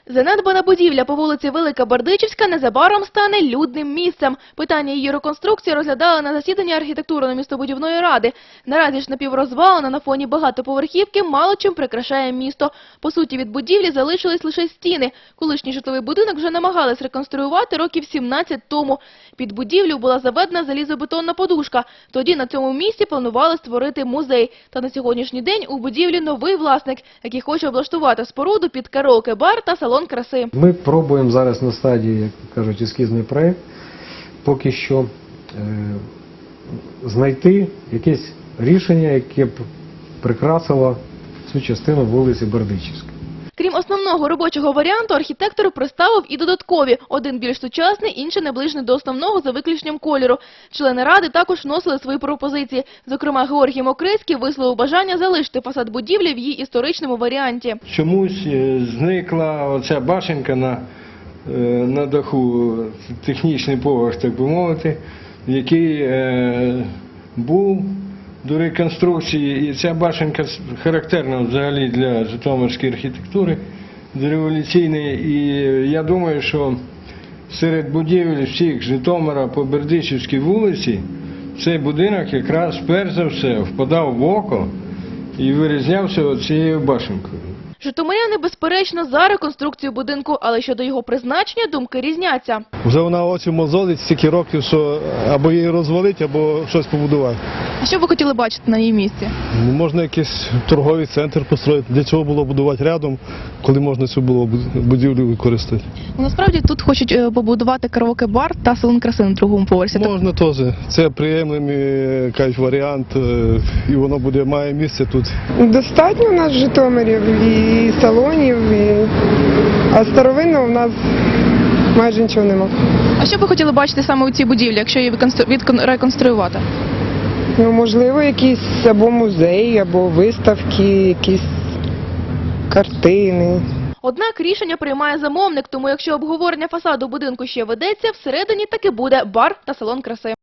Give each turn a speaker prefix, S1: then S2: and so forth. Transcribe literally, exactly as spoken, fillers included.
S1: Занедбана будівля по вулиці Велика Бердичівська незабаром стане людним місцем. Питання її реконструкції розглядали на засіданні архітектурно-містобудівної ради. Наразі ж напіврозвалена на фоні багатоповерхівки мало чим прикрашає місто. По суті, від будівлі залишились лише стіни. Колишній житловий будинок вже намагались реконструювати років сімнадцять тому. Під будівлю була заведена залізобетонна подушка. Тоді на цьому місці планували створити музей. Та на сьогоднішній день у будівлі новий власник, який хоче облаштувати споруду під караоке-бар та салон краси.
S2: Ми пробуємо зараз на стадії, як кажуть, ескізний проєкт, поки що е, знайти якесь рішення, яке б прикрасило цю частину вулиці Бердичівської.
S1: Крім основного робочого варіанту, архітектор представив і додаткові. Один більш сучасний, інший наближений до основного за виключенням кольору. Члени ради також вносили свої пропозиції. Зокрема, Георгій Мокрицький висловив бажання залишити фасад будівлі в її історичному варіанті.
S3: Чомусь зникла оця башенка на, на даху, технічний поверх, так би мовити, який е, був до реконструкції, і ця башенка характерна взагалі для житомирської архітектури, дореволюційної, і я думаю, що серед будівель всіх Житомира по Бердичівській вулиці цей будинок якраз перш за все впадав в око і вирізнявся цією башенкою.
S1: Житомиряни, безперечно, за реконструкцію будинку, але щодо його призначення думки різняться.
S4: Вже вона очі мозолить стільки років, що або її розвалить, або щось побудувати.
S1: А що ви хотіли бачити на її місці?
S4: Ну, можна якийсь торговий центр построїти. Для чого було будувати рядом, коли можна цю було будівлю використати?
S1: Насправді тут хочуть побудувати караоке-бар та салон краси на другому поверсі.
S4: Можна теж. Це приємний, кажуть, варіант, і воно буде, має місце тут.
S5: Достатньо у нас Житомирів і салонів, і... а старовинного у нас майже нічого нема.
S1: А що б ви хотіли бачити саме у цій будівлі, якщо її реконструювати?
S5: Ну, можливо, якісь або музеї, або виставки, якісь картини.
S1: Однак рішення приймає замовник, тому якщо обговорення фасаду будинку ще ведеться, всередині таки буде бар та салон краси.